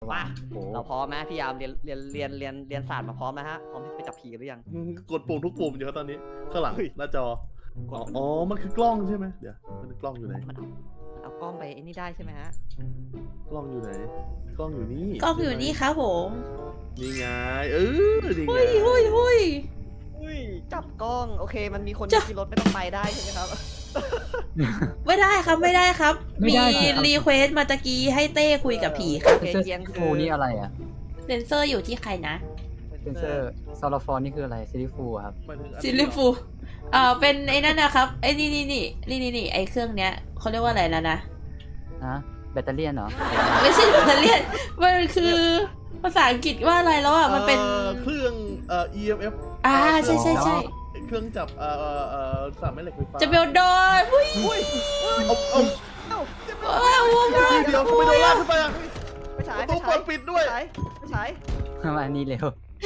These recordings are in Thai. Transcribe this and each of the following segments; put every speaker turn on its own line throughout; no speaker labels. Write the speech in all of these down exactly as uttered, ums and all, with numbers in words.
มาเราพร้อมไหมพี่ยามเรียนเรียนเรียนเรียนเรียนศาสตร์มาพร้อมนะฮะพร้อมที่จะไปจับผีหรือยัง
กดปุ่มทุกปุ่มอยู่ครับตอนนี้ข้างหลังหน้าจออ๋อมันคือกล้องใช่ไหมเดี๋ยวมันกล้องอยู่ไหน
มันเอาเอากล้องไปไอ้นี่ได้ใช่ไหมฮะ
กล้องอยู่ไหนกล้องอยู่นี่
กล้องอยู่นี่ครับผม
นี่ไงเออนี่ไง
หุ้ยหุ้ยหุ้ย
อุ้ยจับกล้องโอเคมันมีคนขี่รถไม่ต้องไปได้ใช่ไหมครับ
ไม่ได้ครับไม่ได้ครับมีรีเควสมาตะกี้ให้เต้คุยกับผีครับ
เซียง
ฟูนี่อะไรอ่ะ
เซนเซอร์อยู่ที่ใครนะ
เซนเซอร์ซอลฟอนนี่คืออะไรซิลิฟูครับ
ซิลิฟูเอ่อเป็นไอ้นั่นนะครับไอ้นี่นี่นี่นี่นี่นี่ไอ้เครื่องเนี้ยเขาเรียกว่าอะไรแล้วนะ
ฮะแบตเตอรี่เหรอ
ไม่ใช่แบตเตอรี่มันคือภาษาอังกฤษว่าอะไรแล้วอ่ะมันเป็น
เครื่องเอ่อ อี เอ็ม เอฟ
อ่าใช่ใช่ใช่
เครื่องจับเอ่อเอ่อสามแม่เหล็กไฟฟ้า
จะเบลดอนหุ้ย
หุ้ยเอาเอา
เอา
เดี๋ยวไม่โดนลากขึ้นไปอ่ะ
ไม่ใช่
ตู้เปิดปิดด้วย
ไม่ใช่
ทำไมนี่เร็ว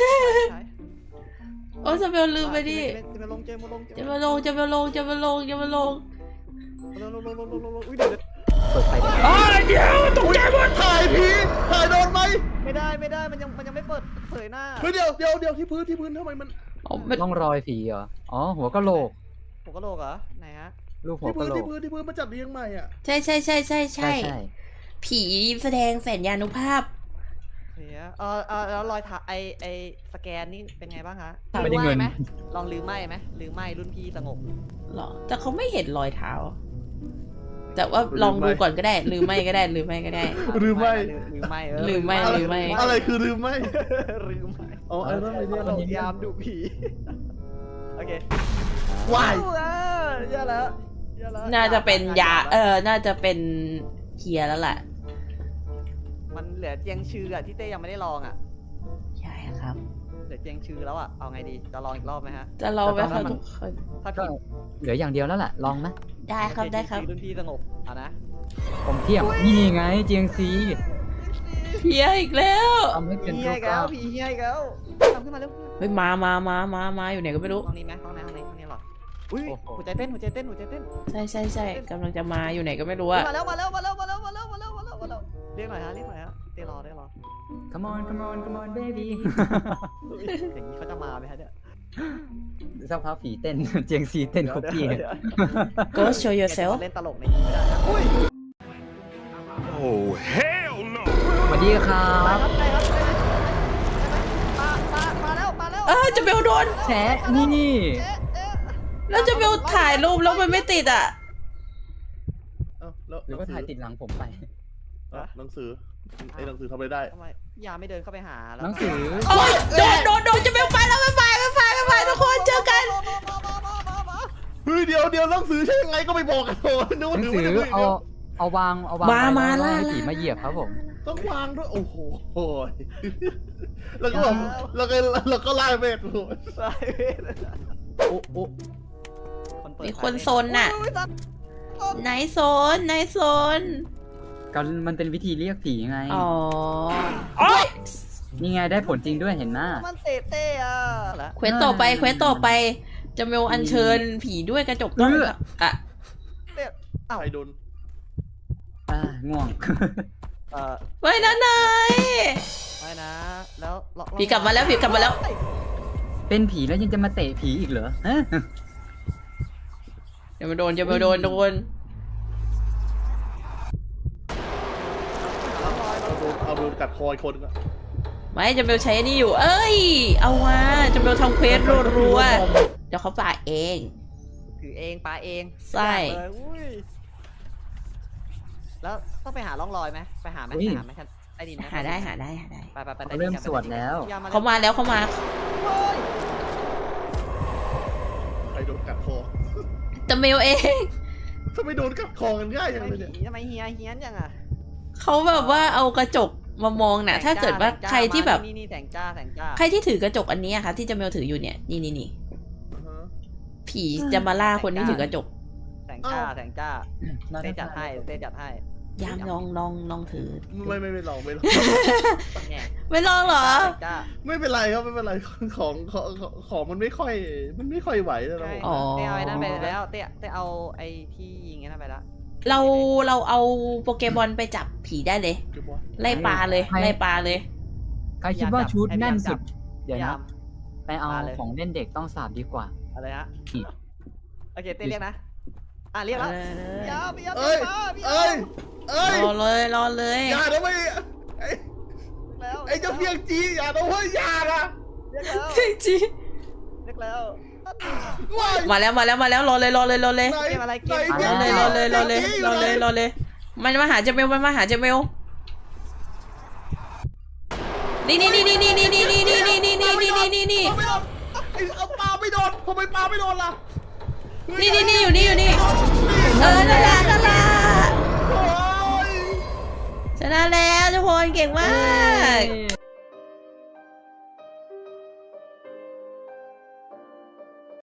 โอ้จะเบลลืมไปดิ
จะมาลงจะมาลง
จะมาลงจะมาลงจะมาลงจะมาลง
ลงลงลงลงลงอุ้ยเดี๋ยว
เปิดไฟได้
อ๋อเดี๋ยวตกใจหมดถ่ายผีถ่ายโดนไหม
ไม่ได้ไม่ได้มันยังมันยังไม่เปิดเผยหน้า
เฮ้ยเดี๋ยวเดี๋ยวเดี๋ยวที่พื้นที่พื้นทำไมมัน
ต้องรอยผีเหรออ๋อหัวกะโหลก
หัวกะโหลกเหรอไหนฮะ
รูปหัวกะโหลก
ที่พื้นที่พื้นมันจัดเรียงใหม่อ่ะ
ใช่ใช่ใช่ใช่ใช่ผีแสดงแสนยานุภาพ
เฮียเออเออแล้วรอยถ่ายไอไอสแกนนี่เป็นไงบ้างคะ
ไม่ได้เงิน
ไหมลองลืมไหมไหมลืมไหมรุ่นพี่สงบ
หรอแต่เขาไม่เห็นรอยเท้าแต่ว่าลองดูก่อนก็ได้ลืมไม่ก็ได้ลืมไม่ก็ได้
ลืมไม่
ลืมไม่
ลืมไม่ลืมไม่
อะไรคือลืมไม่
ลืมไม่
อ๋อไอ้เรื่องอะไรเนี่ย
เรายามดูผีโอเค
ว้าย
เยอะแล้ว
น่าจะเป็นยาเออน่าจะเป็นเคียร์แล้วแหละ
มันเหลือเจียงชื่ออะที่เต้ยังไม่ได้ลองอะ
ใช่ครับ
เหลือเจียงชื่อแล้วอะเอาไงดีจะลองอีกรอบไหมฮะ
จะลองไหมครับทุกคน
ถ้าผิด
เหลืออย่างเดียวแล้วแหละลองไหม
ได้ครับได้ครับ
รุ่นพี่สงบเอานะ
ผมเทียบนี่ไงเจียงซี
เฮียอีกแล้ว
ทำให้เป็น
เฮียแล้วผีเฮียแล้วทำขึ้นมาเร็ว
เฮ้ยมามามามามาอยู่ไหนก็ไม่รู้
ห้องนี้ไหมห้องไหนห้องนี้ห้องนี้หรออุ้ยหัวใจเต้นหัวใจเต้นหัวใจเต้น
ใช่ใช่ใช่กำลังจะมาอยู่ไหนก็ไม่รู้อะ
มาแล้วมาแล้วมาแล้วมาแล้วมาแล้วมาแล้วมาแล้วมาแล้วเรียกหน่อยฮะเรียกหน่อยฮะเต้รอเต้รอ
come on come on come on baby
อย่างนี้เขาจะมาไหมฮะเนี่ย
สักพักผีเต้นเจียงซีเต้นคุกกี้
Go show yourself
เล่นตลกในนี้ไม่ได้นะอุ้ย
Oh hell no
สวัสดีครับ
มามามาแล้วมาแล้ว
เออจะเบลโดน
แฉนี่
แล้วจะเบลถ่ายรูปแล้วมันไม่ติดอ่ะ
หรือว่าถ่ายติดหลังผมไป
หนังสือไอ้หนังสือทำอะไรได้
ทำไมยาไม่เดินเข้าไปหาแล้ว
หนังสือ
โอ้ยโดนโดนโดนจะเบลไปแล้วไม่ไปไม่ไปไม่ไปทุกคนเจอกัน
เฮ้ยเดี๋ยวเดี๋ยวหนังสือใช่ยังไงก็ไม่บอกกันโอ้
หนังสือเอาเอาวางเอาวาง
มามาล่า
ผีมาเหยียบครับผม
ต้องวางด้วยโอ้โหแล้วก็แล้วก็แล้วก็ไล่เวทโอ้
ไล่เวท
โอ้โอ้
มีคนโซนน่ะไหนโซนไหนโซน
ก็มันเป็นวิธีเรียกผีไง
อ๋อ
นี่ไงได้ผลจริงด้วยเห็นหน้า
มันเตะเตะอ่ะ
เควสต่อไปเควสต่อไปจะเมลอัญเชิญผีด้วยกระจกต้องอ่ะ
เตะอ้าว
ใครโดน
อ่าง่วง
เออ
ไว้นะนาย
ไว้นะแล้ว
ผีกลับมาแล้วผีกลับมาแล้ว
เป็นผีแล้วยังจะมาเตะผีอีกเหรอฮะ
เดี๋ยวมาโดนจะมาโดนโดน
เอาโดนกัดคอยคนก็
ไม่จะเบลใช้นี่อยู่เอ้ยเอาว่าจะเบลทำเควสรัวๆเดี๋ยวเขาป่าเอง
ถือเองปาเอง
ใช่
แล้วต้องไปหาร่องรอยไหมไปหาไหมหาไหมครับไอ้ดิน
หาได้หาได้หาได้
ไปไปไป
เริ่มสวดแล้ว
เขามาแล้วเขามา
ใครโดนกัดคอ
จะเมลเอง
ทำไมโดนกัดคอกันง่ายอย่างไรเนี่ย
ทำไมเฮียเฮียนจังอ่ะ
เขาแบบว่าเอากระจกมามองน่ะถ้าเกิดว่าใครที่แบบ
นี่นี่แสงจ้าแสงจ้า
ใครที่ถือกระจกอันนี้ค่ะที่จะเมลถืออยู่เนี่ยนี่นี่นี่ผีจะมาล่าคนที่ถือกระจก
แสงจ้าแสงจ้าเต้จัดให้เต้จัดให้
ยามลองลองลองถือ
ไม่ไม่ไม่ลองไม่ลอง
ไม่ลองเหรอ
ไม่เป็นไรครับไม่เป็นไรของของของมันไม่ค่อยมันไม่ค่อยไหวแล้ว
อ๋อเต้เอาไอ้นั่นไปแล้วเต้เต้เอาไอ้ที่ยิงนั่นไปแล้ว
เราเราเอาโปเกมอนไปจับผีได้เลย
เก็บไว้
ไล่ปลาเลยไล่ปลาเลย
ใครคิดว่าชุดแน่นสุด เดี๋ยว
พี่
นะ
อาร์ม
ไปเอา
มาเลย
ของเล่นเด็กต้องสาบดีกว่า
อะไรฮะ
อีก
โอเคเต้นเรียกนะอ่ะเรียกแล้วพี่อาร์มพี่อาร์ม
เอ้ย
มาพี่อา
เอ้ย
ร์ม
เอ้ย
รอเลยรอเลย
อย่านะไม่ไอ้
แล้ว
ไอ้เจ้าเพียงจีอย่านะเว้ยอย่านะ
เรียกแล้ว
จี
เรียกแล้ว
ว้าย
มาแล้วมาแล้วมาแล้วรอเลยรอเลยรอเลย
ไหน
เกมอะไรเกม
ไหน
รอเลยรอเลยรอเลยรอเลยรอเลยมันมาหาเจเมลมันมาหาเจเมลนี่นี่นี่นี่นี่นี่นี่นี่นี่นี่นี่นี่นี่นี่นี่
เอาไม่โดนไอ้เอาปลาไม่โดนทำไมปลาไม่โดนล่ะ
นี่นี่นี่อยู่นี่อยู่นี่เออนั่นแหละนั่นแหละ
โอ้ย
ชนะแล้วทุกคนเก่งมาก
เย้